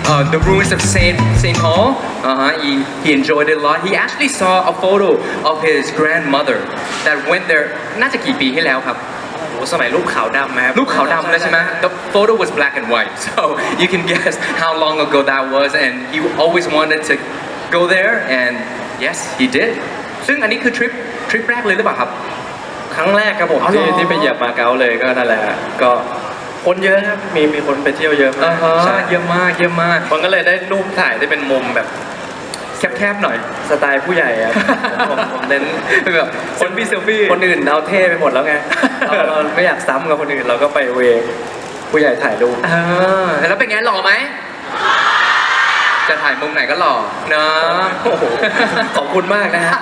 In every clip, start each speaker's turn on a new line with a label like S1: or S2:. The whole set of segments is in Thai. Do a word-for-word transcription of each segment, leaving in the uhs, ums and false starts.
S1: uh, the ruins of Saint Saint Paul. Uh-huh. He he enjoyed it a lot. He actually saw a photo of his grandmother that went there. น่าจะกี่ปีที่แล้วครับ
S2: โอ้สมัยรูปขาวดำไหมครับ
S1: รูปขาวดำแล้วใช่ไหม The photo was black and white, so you can guess how long ago that was, and he always wanted to go there, and yes, he did. ซึ่งอันนี้คือทริปทริปแรกเลยหรือเปล่าครับ
S2: ครั้งแรกครับผมที่ที่ไปเหยียบมาเก๊าเลยก็นั่นแหละก็คนเยอะครับมีมีคนไปเที่ยวเยอะมาก
S1: ใช่เยอะมากเยอะมาก
S2: คนก็เลยได้รูปถ่ายที่เป็นมุมแบบ
S1: แคบๆหน่อย
S2: สไตล์ผู้ใหญ่ครับผมผมเน้น
S1: แบบคนพี่เซลฟี่
S2: คนอื่นเอาเท่ไปหมดแล้วไงเราเราไม่อยากซ้ำกับคนอื่นเราก็ไปเวผู้ใหญ่ถ่ายรูป
S1: เออแล้วเป็นไงหล่อไหมจะถ่ายมุมไหนก็หล่อเนาะ
S2: ขอบคุณมากนะฮะ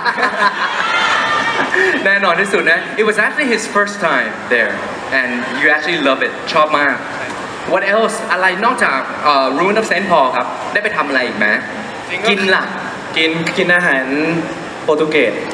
S1: แน่นอนที่สุดนะ It was actually his first time there and you actually love it ชอบมาก What else อะไรนอกจาก Ruin of Saint Paul ครับได้ไปทำอะไรอีกไหมกินล่ะ
S2: กินกินอาหารโปรตุเกส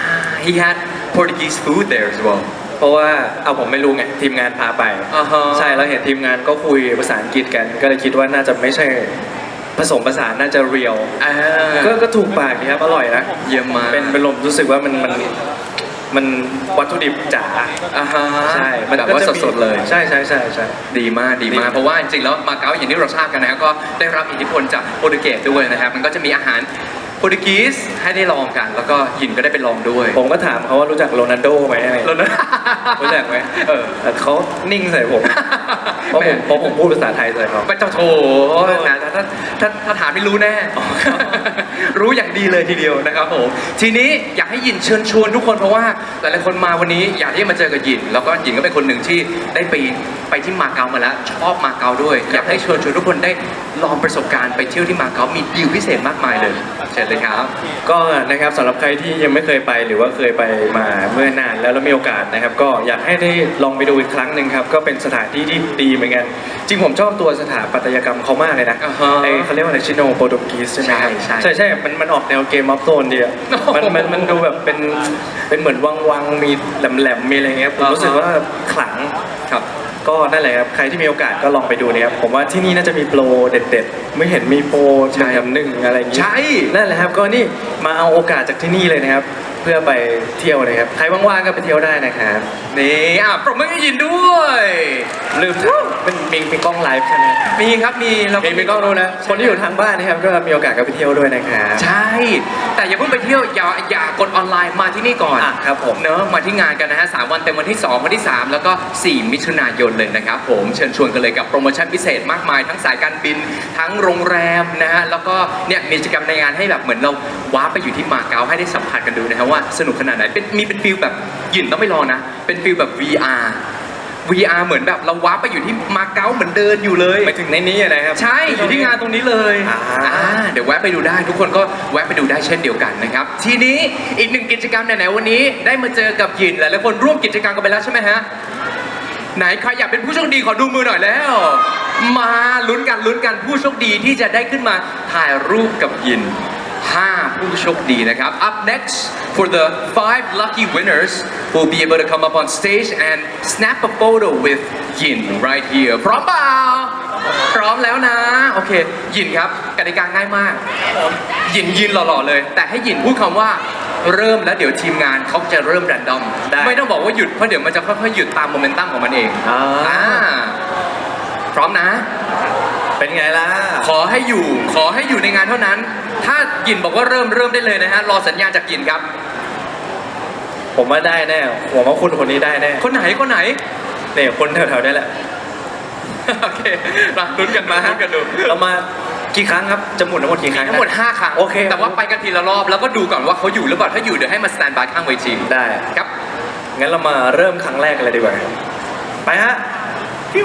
S1: He had Portuguese food there as well
S2: เพราะว่าเอาผมไม่รู้ไงทีมงานพาไป
S1: uh-huh.
S2: ใช่เราเห็นทีมงานก็คุยภาษาอังกฤษกันก็เลยคิดว่าน่าจะไม่ใช่ผสมผสานน่าจะเรียลก็ก็ถูกปากดีครับอร่อยนะ
S1: เยี่ยมมาก
S2: เป็นเป็นลมรู้สึกว่ามันมันมันวัตถุดิบจ๋าใช่
S1: มันแบบว่าสดๆเลย
S2: ใช่ใช่ใช่ใช่
S1: ดีมากดีมากเพราะว่าจริงๆแล้วมาเก๊าอย่างที่เราทราบกันนะก็ได้รับอิทธิพลจากโปรตุเกสด้วยนะครับมันก็จะมีอาหารโปรตุเกสให้ได้ลองกันแล้วก็หยินก็ได้ไปลองด้วย
S2: ผมก็ถามเขาว่ารู้จักโรนัลโดไหมอะไร
S1: โรนัลโด
S2: รู้จักไหมเออแต่เขานิ่งใส่ผมเพราะผมเพราะผมพูดภาษาไทยใส่เขา
S1: ไปเจ้าโถนะถ้าถ้าถ้าถามไม่รู้แน่รู้อย่างดีเลยทีเดียวนะครับผมทีนี้อยากให้หยินเชิญชวนทุกคนเพราะว่าหลายๆคนมาวันนี้อยากที่จะมาเจอกับหยินแล้วก็หยินก็เป็นคนหนึ่งที่ได้ไปไปที่มาเก๊ามาแล้วชอบมาเก๊าด้วยอยากให้เชิญชวนทุกคนได้ลองประสบการณ์ไปเที่ยวที่มาเก๊ามีดีลพิเศษมากมายเลยเชิญเลยครับ
S2: ก็นะครับสำหรับใครที่ยังไม่เคยไปหรือว่าเคยไปมาเมื่อนานแล้วแล้วมีโอกาสนะครับก็อยากให้ได้ลองไปดูอีกครั้งหนึ่งครับก็เป็นสถานที่ที่ดีเหมือนกันจริงผมชอบตัวสถาปัตยกรรมเขามากเลยนะไอเขาเรียกว่าอะไรชิโนโปรตุเกสใช่ไหมครับใช่ใช่ใช่มันมันออกแนวเกมออฟโซนดีอะมันมันมันดูแบบเป็นเป็นเหมือนวังวังมีแหลมแหลมมีอะไรเงี้ยผมรู้สึกว่าขลังครับก็นั่นแหละครับใครที่มีโอกาสก็ลองไปดูนะครับผมว่าที่นี่น่าจะมีโปรเด็ดๆไม่เห็นมีโปรหนึ่งกับหนึ่งอะไรอย่างงี้
S1: ใช่
S2: นั่นแหละครับก็นี่มาเอาโอกาสจากที่นี่เลยนะครับเพื่อไปเที่ยวนะครับใครว่างๆก็ไปเที่ยวได้นะครับ
S1: นี่อ่ะปรบมือให้ยินด้วย
S2: ลืมเป็นมีมีกล้องไลฟ์ใช่ไหม
S1: มีครับมีเรา
S2: มีมีกล้องดูนะคนที่อยู่ทางบ้านนะครับก็มีโอกาสก็ไปเที่ยวด้วยนะครับ
S1: ใช่แต่อย่าเพิ่งไปเที่ยวอย่าอย่ากดออนไลน์มาที่นี่ก่อน
S2: ครับผม
S1: เนอะมาที่งานกันนะฮะสามวันเต็มวันที่สองวันที่สามแล้วก็สี่มิถุนายนเลยนะครับผมเชิญชวนกันเลยกับโปรโมชั่นพิเศษมากมายทั้งสายการบินทั้งโรงแรมนะฮะแล้วก็เนี่ยมีกิจกรรมในงานให้แบบเหมือนเราว้าไปอยู่ที่มาเก๊าให้ได้สัมผัสกันดูนะครับว่าสนุกขนาดไหนเป็นมีเป็นฟิลแบบหยินต้องไม่รอนะเป็นฟิลแบบ วี อาร์ วี อาร์ เหมือนแบบเราว้าไปอยู่ที่มาเก๊าเหมือนเดินอยู่เลย
S2: ไปถึงในนี้นะครับ
S1: ใช่อยู่ที่งานตรงนี้เลยอ่าเดี๋ยวแวะไปดูได้ทุกคนก็แวะไปดูได้เช่นเดียวกันนะครับทีนี้อีกหนึ่งกิจกรรมไหนๆวันนี้ได้มาเจอกับหยินหลายๆคนร่วมกิจกรรมกันไปแล้วใช่ไหมฮะไหนใครอยากเป็นผู้โชคดีขอดูมือหน่อยแล้วมาลุ้นกันลุ้นกันผู้โชคดีที่จะได้ขึ้นมาถ่ายรูปกับหยินห้าผู้โชคดีนะครับ Up next for the five lucky winners who will be able to come up on stage and snap a photo with Yin right here พร้อมเปล่าพร้อมแล้วนะโอเคยินครับกติกาง่ายมากยินยืนหล่อๆเลยแต่ให้ยินพูดคำว่าเริ่มแล้วเดี๋ยวทีมงานเขาจะเริ่มแรนดอมไม่ต้องบอกว่าหยุดเพราะเดี๋ยวมันจะค่อยๆหยุดตามโมเมนตัมของมันเองอ่าพร้อมนะ
S2: เป็นไงล่ะ
S1: ขอให้อยู่ขอให้อยู่ในงานเท่านั้นถ้าหยินบอกว่าเริ่มเริ่มได้เลยนะฮะรอสัญญาณจากหยินครับ
S2: ผมว่าได้แน่ผมว่าคุณคนนี้ได้แน่
S1: คนไหนคนไหน
S2: เนี่ยคนแถวๆนี้แหละ
S1: โอเคมาลุ้นกันมาลุ้นกันดู
S2: เรามากี่ครั้งครับจะหมุนทั้งหมดกี่ครั้ง
S1: ทั้งหมดห้าครั้ง
S2: โอเค
S1: แต่ว่าไปกันทีละรอบแล้วก็ดูก่อนว่าเขาอยู่หรือเปล่าถ้าอยู่เดี๋ยวให้มาสแตนบายข้างเวที
S2: ได้
S1: ครับ
S2: งั้นเรามาเริ่มครั้งแรกกันเลยดีกว่าไปฮะฟิว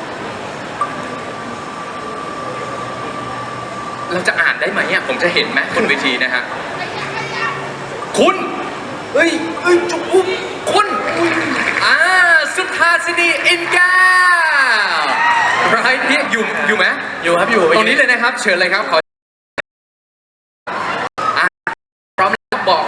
S1: เราจะอ่านได้ไหมอ่ะผมจะเห็นไหมบนเวทีนะฮะคุณเอ้ยเอ้ยจุ๊บคุณอ่าสุธาสินีอินแก้วไรที่อยู่อยู่ไหม
S2: อยู่ครับอยู่
S1: ตรงนี้เลยนะครับเชิญเลยครับขอพร้อมแล้วบอก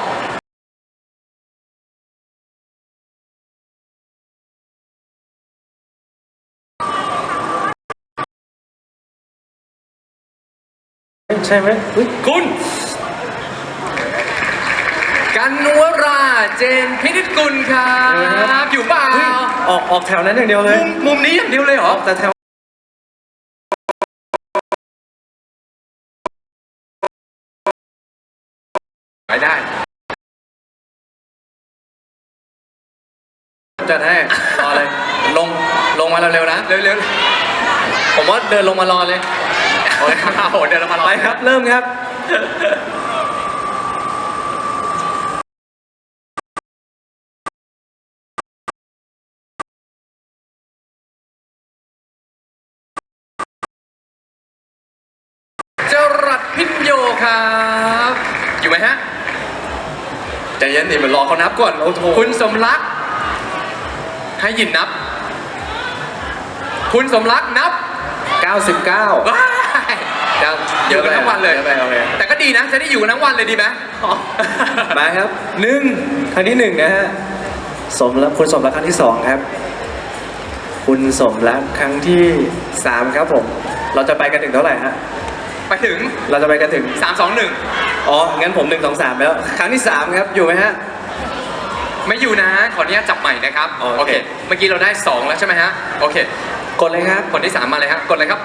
S2: ใช่ไหมอุ๊ย
S1: คุณ กันวราเจนพินิจกุลครับอยู่เปล่า
S2: เฮ้ยออกออกแถวนั้นอย่างเดียวเลย
S1: มุมมุมนี้อย่างเดียวเลยเหรอ
S2: แต่แถว
S1: ไปได้
S2: จัดให้รอเลยลงลงมาเร็วๆนะ
S1: เร็ว
S2: ผมว่าเดินลงมารอเลย
S1: ๆโอ้ยโหเดินมา
S2: ไปครับ เริ่มครับ
S1: จรัสพิญโยครับ อยู่ไหมฮะ
S2: ใจเย็นดิมันรอเขานับก่อนโอ้โห
S1: คุณสมรัก ให้ยินนับ คุณสมรักนับ
S2: เก้าสิบเก้า
S1: ว้าย
S2: เก้า
S1: อยู่กันทั้งวันเลย
S2: เยอะไปเอาเลย
S1: แต่ก็ดีนะ จะได้อยู่กันทั้งวันเลยดีไหม
S2: มาครับหนึ่งครั้งที่หนึ่งนะฮะสมรักคุณสมรักครั้งที่สองครับ คุณสมรักครั้งที่สามครับผม เราจะไปกันถึงเท่าไหร่ฮะ
S1: ไปถึง
S2: เราจะไปกันถึง
S1: สาม สอง หนึ่ง
S2: อ๋องั้นผมหนึ่งสองสามแล้ว ครั้งที่สามครับอยู่ไหมฮะ
S1: ไม่อยู่นะ ขออนุญาตจับใหม่นะครับ
S2: โอเค
S1: เมื่อกี้เราได้สองแล้วใช่ไหมฮะ โอเค
S2: กดเลยครับ
S1: คนที่สามมาเลยครับ กดเลยครับ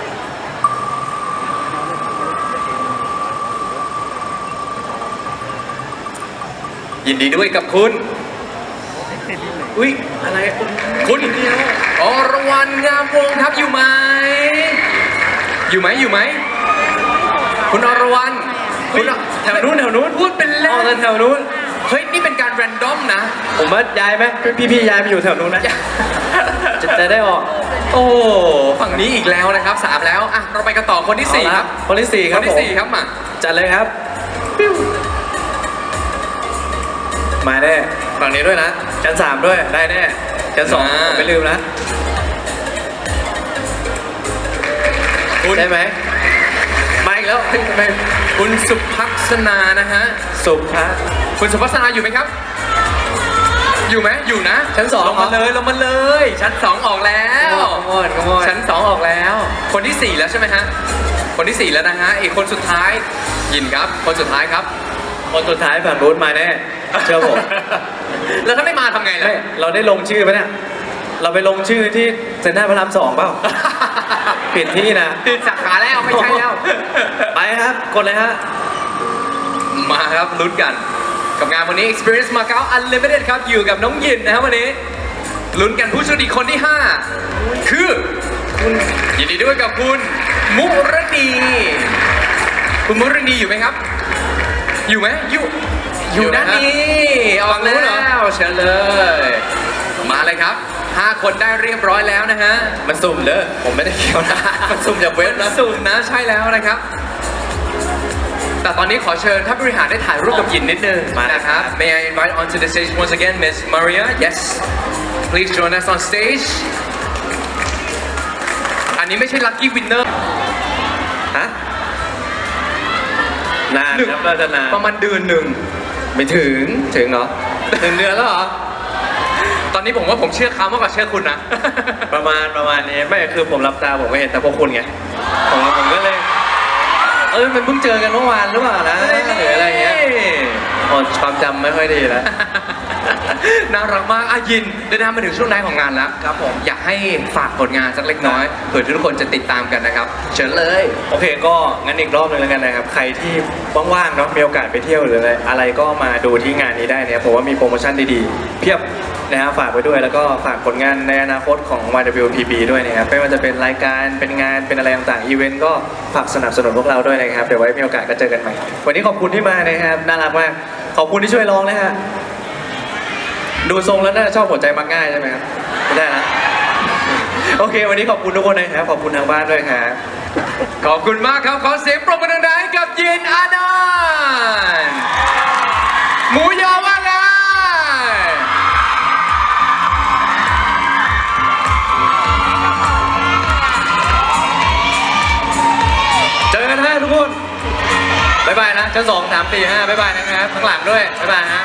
S1: ยินดีด้วยกับคุณ
S2: อุ้ยอะไร
S1: คุณอรวรรณงามวงศ์ครับอยู่ไหม อยู่ไหมอยู่ไหม คุณอรวรรณ
S2: เฮ้ยแถวนู้นแถวนู้น
S1: พูดเป็นเล่
S2: อ๋อน แถวนู้น
S1: เฮ้ย นี่เป็นการแรนดอมนะ
S2: ผมว่าย้ายไหมพี่พี่ย้ายไปอยู่แถวนู้นนะจะจะได้ออก
S1: โอ้ฝั่งนี้อีกแล้วนะครับสามแล้วอ่ะเราไปกันต่อคนที่สี่ครับ
S2: คนที่สี่ค
S1: ครับ นที่
S2: ผม
S1: สี่ครับมา
S2: จัดเลยครับ มาแน่ฝั่งนี้ด้วยนะชั้นสามด้วยได้แน่ชั้นสองผมไม่ลืมนะ
S1: คุณ
S2: ได้ไหมมาอีกแล้วเฮ้ยทำไม
S1: คุณสุภักษนานะฮะ
S2: สุภา
S1: คุณสุภักษนาอยู่ไหมครับ อยู่ไหมอยู่นะ
S2: ชั้นสอง
S1: ลงมาเลยลงมาเลย ชั้นสองออกแล้ว
S2: ขโมยขโมย
S1: ชั้นสองออกแล้ว คนที่สี่แล้วใช่ไหมฮะคนที่สี่แล้วนะฮะอีกคนสุดท้ายยินครับ คนสุดท้ายครับ
S2: คนสุดท้ายฝั่งนู้นมาแน่เชื่อผม
S1: แล้วถ้าไม่มาทำไงล่ะ
S2: ไม่เราได้ลงชื่อไหมเนี่ยเราไปลงชื่อที่เซ็นทรัลพระรามสองเปล่า ผิดที่นะ
S1: ติดสาขาแล้วไม่ใช่แล้ว
S2: ไปครับกดเลยฮะ
S1: มาครับลุ้นกันกับงานวันนี้ Experience Macau Unlimited ครับอยู่กับน้องยินนะครับวันนี้ลุ้นกันผู้โชคดีคนที่ห้าคือคุณยินดีด้วยกับคุณมุรณีคุณมุรณีอยู่ไหมครับ อยู่ไหมอยู่อยู่ด้านนี้ออกแล้วเชิญเลย มาเลยครับห้าคนได้เรียบร้อยแล้วนะฮะ
S2: มันสุ่มเด้อผมไม่ได้เกี่ยวนะ มันสุ่มจากเว็บนะ
S1: สูงนะใช่แล้วนะครับ แต่ตอนนี้ขอเชิญท่านบริหารได้ถ่ายรูปกับยินนิดนึง
S2: มา
S1: นะครับ May I invite onto the stage once again Miss Maria Yes please join us on stage อันนี้ไม่ใช่ lucky winner
S2: ฮะนานครับเราจะนาน
S1: ประมาณเดือนหนึ่ง
S2: ไม่ถึงถึงเหรอถึงเดือนแล้วเหรอ
S1: ตอนนี้ผมว่าผมเชื่อเขามากกว่าเชื่อคุณนะ
S2: ประมาณประมาณนี้ไม่คือผมรับตาผมก็เห็นแต่พวกคุณไงผมผมก็เลย เออมันเพิ่งเจอกันเมื่อวานหรือเปล่านะหรืออะไรเงี้ยอ๋อความจำไม่ค่อยดีแล้ว
S1: น่ารักมากอายินเดินทางมาถึงช่วงท้ายของงานแล้วครับผมอยากให้ฝากผลงานสักเล็กน้อยเผื่อทุกคนจะติดตามกันนะครับ เชิญเลย
S2: โอเคก็งั้นอีกรอบหนึงแล้วกันนะครับ ใครที่ว่างๆเนาะมีโอกาสไปเที่ยวหรืออะไรอะไรก็มาดูที่งานนี้ได้เนี่ยผมว่ามีโปรโมชั่นดีๆเพียบนะฮะฝากไว้ด้วยแล้วก็ฝากผลงานในอนาคตของ วาย ดับเบิลยู พี บี ด้วยนะครับไม่ว่าจะเป็นรายการเป็นงานเป็นอะไรต่างๆอีเวนต์ก็ฝากสนับสนุนพวกเราด้วยนะครับเดี๋ยวไว้มีโอกาสก็เจอกันใหม่วันนี้ขอบคุณที่มานะครับน่ารักมากขอบคุณที่ช่วยร้องนะฮะดูทรงแล้วน่าจะชอบหัวใจมักง่ายใช่ไหมครับไม่ได้นะโอเค วันนี้ขอบคุณทุกคนนะครับขอบคุณทางบ้านด้วยครับ
S1: ขอบคุณมากครับ ขอเสียงปรบมือดังๆให้กับยินอานันต์หมูยอว่าไง
S2: เจอกันฮะทุกคนบ๊ายบายนะชั้นสองสามสี่ห้าบ๊ายบายนะครับข้างหลังด้วยบ๊ายบายฮะ